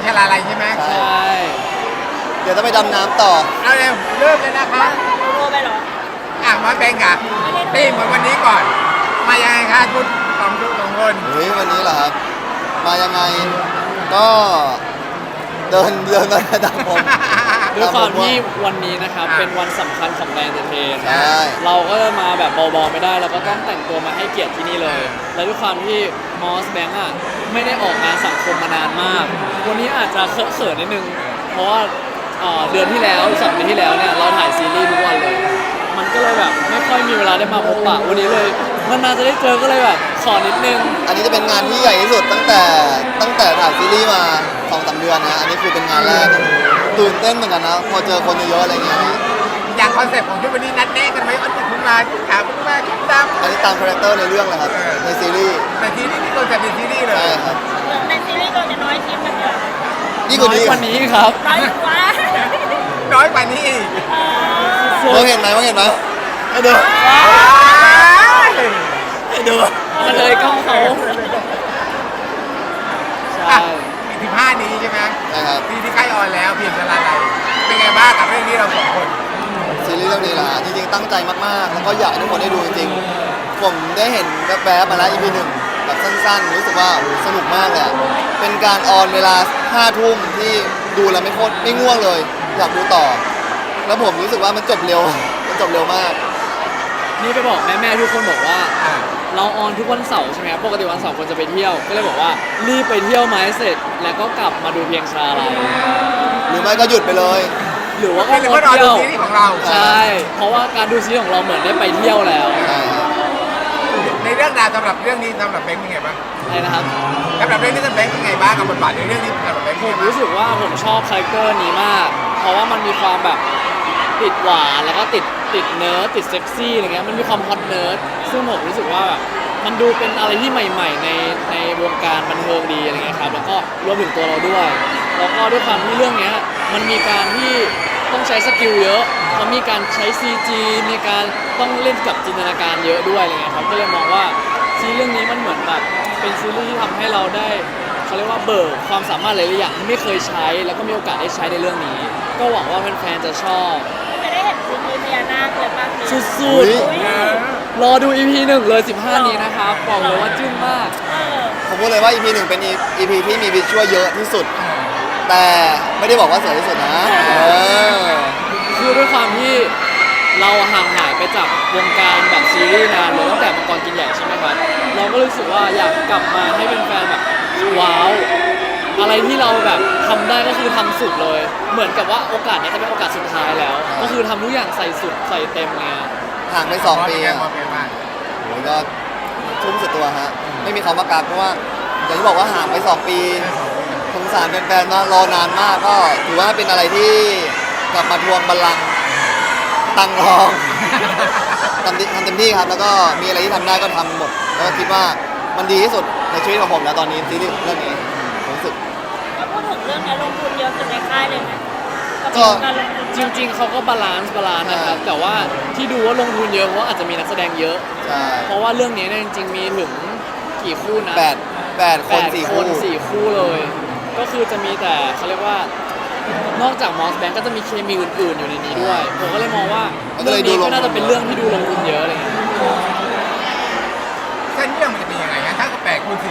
ชลาลัยใช่ไหมใช่เดี๋ยวต้องไปดำน้ำต่อเอาเร็วเริ่มเลยนะคะโทรไปเหรอมาแบงก์อะตีมเหมือนวันนี้ก่อน มายังไงคะคุณสองคนเฮ้ยวันนี้เหรอครับ มายังไงก็เดินมาตามผมด้วยความที่วันนี้นะครับเป็นวันสำคัญของแบรนด์เทนใช่เราก็มาแบบเบาๆไม่ได้เราก็ต้องแต่งตัวมาให้เกียรติที่นี่เลย และด้วยความที่มอสแบงก์อ่ะไม่ได้ออกงานสังคมมานานมาก วันนี้อาจจะเขินๆนิดนึงเพราะว่าเดือนที่แล้ว2 เดือนที่แล้วเนี่ยเราถ่ายซีรีส์ทุกวันเลย มันก็เลยแบบไม่ค่อยมีเวลาได้มาพบปะวันนี้เลยนานๆจะได้เจอก็เลยแบบขอนิดนึงอันนี้จะเป็นงานที่ใหญ่ที่สุดตั้งแต่ถ่ายซีรีส์มา2-3 เดือนนะอันนี้คือเป็นงานแรกตื่นเต้นเหมือนกันนะพอเจอคนเยอะๆอะไรเงี้ยอย่างคอนเซ็ปต์ของชุดวันนี้นัดแนะกันไหมว่าจะคุณมาชุดขาวคุณมาชุดดอันนี้ตามคาแรคเตอร์ในเรื่องเลยครับในซีรีส์ำแต่ซีรีส์นี่คอนเซ็ปต์เป็นซีรีส์เลยใช่ครับในซีรีส์เราจะน้อยชิ้นมันเหรอยิ่งกว่านี้วันนี้ครับน้อยกว่าน้อยกว่านี้อีกมองเห็นไหมให้ดูให้ดูมาเลยกล้องเขาใช่อีก15นี้ใช่ไหมใช่ครับซีรีส์ใกล้ออนแล้วเพียงชลาลัยเป็นไงบ้างกับเรื่องนี้เราสองคนซีรีส์เรื่องนี้ล่ะจริงๆตั้งใจมากๆแล้วก็อยากให้ทุกคนได้ดูจริงๆผมได้เห็นแวบๆมาแล้ว EP 1แบบสั้นๆรู้สึกว่าสนุกมากเลยอะเป็นการออนเวลา 5 ทุ่มที่ดูแล้วไม่ง่วงเลย อยากดูต่อ แล้วผมรู้สึกว่ามันจบเร็วมากนี่ไปบอกแม่ๆทุกคนบอกว่า เราออนทุกวันเสาร์ใช่ไหมครับปกติวันเสาร์คนจะไปเที่ยว ก็เลยบอกว่ารีบไปเที่ยวมาให้เสร็จ แล้วก็กลับมาดูเพียงชาลัยหรือไม่ก็หยุดไปเลยหรือว่าก็เป็นงเพื่ดอนรอเที่ดูยวซีรีส์ของเราใช่ เพราะว่าการดูซีรีส์ของเราเหมือนได้ไปเที่ยวแล้วใช่ครับในเรื่องราวสำหรับเรื่องนี้สำหรับแบงค์เป็นไงบ้างอะไรนะครับสำหรับเรื่องนี้สำหรับแบงค์เป็นไงบ้างกับบทบาทในเรื่องนี้สำหรับแบงค์ผเป็นมไงบ้างรู้สึกว่าผมชอบคาแรคเตอร์นี้มาก เพราะว่ามันมีความแบบติดหวานแล้วก็ติดเนิร์ดติดเซ็กซี่อะไรเงี้ยมันมีความฮอตเนิร์ดซึ่งผมรู้สึกว่าแบบมันดูเป็นอะไรที่ใหม่ๆในวงการบันเทิงดีอะไรเงี้ยครับแล้วก็รวมถึงตัวเราด้วยแล้วก็ด้วยความที่เรื่องเนี้ยมันมีการที่ต้องใช้สกิลเยอะมันมีการใช้ CG มีการต้องเล่นกับจินตนาการเยอะด้วยอะไรเงี้ยครับก็เลยมองว่าซีรีส์เรื่องนี้มันเหมือนแบบเป็นซีรีส์ที่ทำให้เราได้เขาเรียกว่าเบิกความสามารถหลายๆอย่างที่ไม่เคยใช้แล้วก็มีโอกาสได้ใช้ในเรื่องนี้ ก็หวังว่าแฟนๆจะชอบจะได้เห็นซีรีส์พญานาคเลยป่ะสุดอุ๊ยๆ รอดู EP 1 เลย 15 นี้นะครับ บอกเลยว่าจึ้งมากผมพูดเลยว่า EP 1เป็น EP ที่มีวิชวลเยอะที่สุด แต่ไม่ได้บอกว่าสวยที่สุดนะอคือด้วยความที่เราห่างหายไปจากวงการแบบซีรีส์นานเลยตั้งแต่มังกรกินใหญ่ใช่ไหมครับ เราก็รู้สึกว่าอยากกลับมาให้เป็นแฟนแบบว้าว อะไรที่เราแบบทำได้ก็คือทำสุดเลย เหมือนกับว่าโอกาสนี้จะเป็นโอกาสสุดท้ายแล้ว ก็คือทำทุกอย่างใส่สุดใส่เต็มเลยอะห่างไป2 ปีอะมองเป็นไงบ้างโอ้ยก็ทุ่มสุดตัวฮะ ไม่มีคำว่ากักเพราะว่าอย่างที่บอกว่าห่างไป2 ปีสงสารแฟนๆมากรอนานมากก็ถือว่าเป็นอะไรที่กลับมาทวงบัลลังก์ตังรอง ทำเต็มที่ครับ แล้วก็มีอะไรที่ทำได้ก็ทำหมด แล้วก็คิดว่ามันดีที่สุดในชีวิตของผมแล้วตอนนี้ซีรีส์เรื่องนี้ผมรู้สึกแล้วพูดถึงเรื่องนี้ลงทุนเยอะสุดในค่ายเลยไหมก็การลงทุนจริงๆ เขาก็บาลานซ์นะครับ แต่ว่าที่ดูว่าลงทุนเยอะเพราะว่าอาจจะมีนักแสดงเยอะใช่เพราะว่าเรื่องนี้เนี่ยจริงๆ มีถึงกี่คู่นะ 8 คน4 คู่ 4 คู่เลย ก็คือจะมีแต่เขาเรียกว่านอกจากมอสแบงก์ก็จะมีเคมีอื่นๆ อยู่ในนี้ด้วย ผมก็เลยมองว่ามันก็เรื่เลอย งดูนี้ลงทุนก็น่าจะเป็นเรื่องที่ดูลงทุนเยอะอะไรเงี้ยเส้นเรื่องมันจะเป็นยังไงฮะถ้าก็แปลกคุณสิ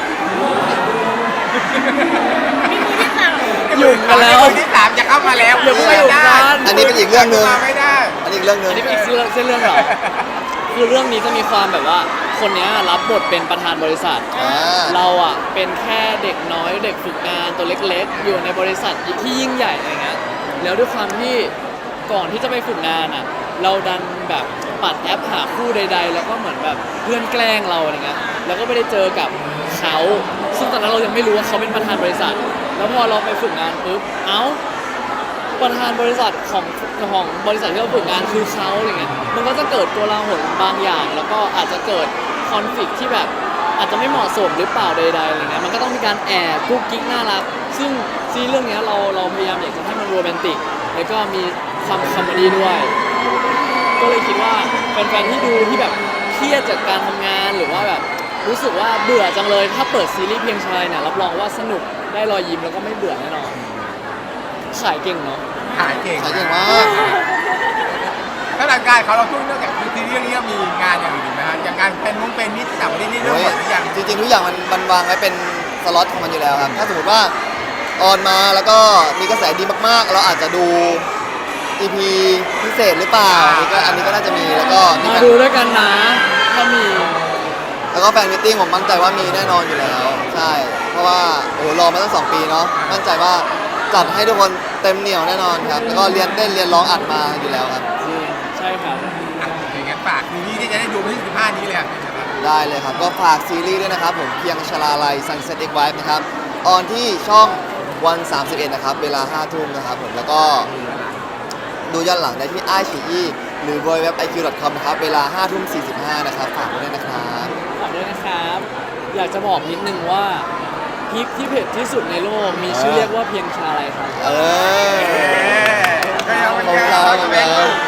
มีมือที่สามหยุ่มกันแล้วคนที่3จะเข้ามาแล้วอย่าเพิ่งไปหยุ่มกันอันนี้เป็นอีกเรื่องหนึ่งมาไม่ได้อันนี้อีกเรื่องหนึ่งอันนี้เป็นอีกเส้นเรื่องเหรอ คือเรื่องนี้จะมีความแบบว่า คนเนี้ยรับบทเป็นประธานบริษัท เราอ่ะเป็นแค่เด็กน้อยเด็กฝึกงานตัวเล็กๆ อยู่ในบริษัทที่ยิ่งใหญ่อะไรเงี้ย แล้วด้วยความที่ก่อนที่จะไปฝึกงานอ่ะ เราดันแบบปัดแอปหาคู่ใด ๆ แล้วก็เหมือนแบบเพื่อนแกล้งเราอะไรเงี้ย แล้วก็ไม่ได้เจอกับเขาซึ่งตอนนั้นเรายังไม่รู้ว่าเขาเป็นประธานบริษัท แล้วพอเราไปฝึกงานปุ๊บ เอ้า ประธานบริษัทของบริษัทที่เราฝึกงานคือเขาอะไรเงี้ย มันก็จะเกิดตัวราหนบางอย่าง แล้วก็อาจจะเกิดคอนฟ lict ที่แบบอาจจะไม่เหมาะสมหรือเปล่าใดๆอะไรเงี้ย มันก็ต้องมีการแอบกุ๊กกิ๊กน่ารัก ซึ่งซีรีส์เรื่องเนี้ยเราพยายามอยากจะให้มันโรแมนติก แล้วก็มีความคอมเมดี้ด้วย ก็เลยคิดว่าแฟนๆที่ดูที่แบบเครียดจากการทำงานหรือว่าแบบรู้สึกว่าเบื่อจังเลยถ้าเปิดซีรีส์เพียงชายเนี่ยรับรองว่าสนุกได้รอยยิ้มแล้วก็ไม่เบื่อแน่นอนขายเก่งเนาะขายเก่งขายเก่งมากแล้วหลังการเขาเราทุ่งเรื่องจากทีเรื่องนี้มีงานอย่างอื่นอีกไหมฮะอย่างงานเป็นนิดต่างประเทศนี่เรื่องหมดหรือยังจริงๆทุกอย่างมันวางไว้เป็นสล็อตของมันอยู่แล้วครับ ถ้าสมมติว่าออนมาแล้วก็มีกระแสดีมากๆ เราอาจจะดู EP พิเศษหรือเปล่าอันนี้ก็น่าจะมีแล้วก็มีมาดูด้วยกันนะถ้ามีแล้วก็แฟนมิทติ้งผมมั่นใจว่ามีแน่นอนอยู่แล้วใช่เพราะว่าโอ้โหรอมาตั้ง2 ปีเนาะมั่นใจว่าจัดให้ทุกคนเต็มเหนียวแน่นอนครับแล้วก็เรียนเต้นเรียนร้องอัดมาอยู่แล้วครับจริงใช่ครับอย่างงั้นฝากทีนี้ที่จะได้ดูวันที่15นี้เลยอะได้เลยครับ ก็ฝากซีรีส์ด้วยนะครับผมเพียงชลาลัย Sunset X Wife นะครับ ออนที่ช่องวัน31นะครับ เวลา 5 ทุ่มนะครับผม แล้วก็ดูย้อนหลังได้ที่ iQIYI หรือ www.iq.com นะครับ เวลา 5 ทุ่ม 45 นะครับ ฝากไว้ด้วยนะครับฝากด้วยนะครับ อยากจะบอกนิดนึงว่าพริกที่เผ็ดที่สุดในโลกมีชื่อเรียกว่าเพียงชาอะไรครับเออก็ยังเป็นขอบคุณแค่ครับเขาจะเป็น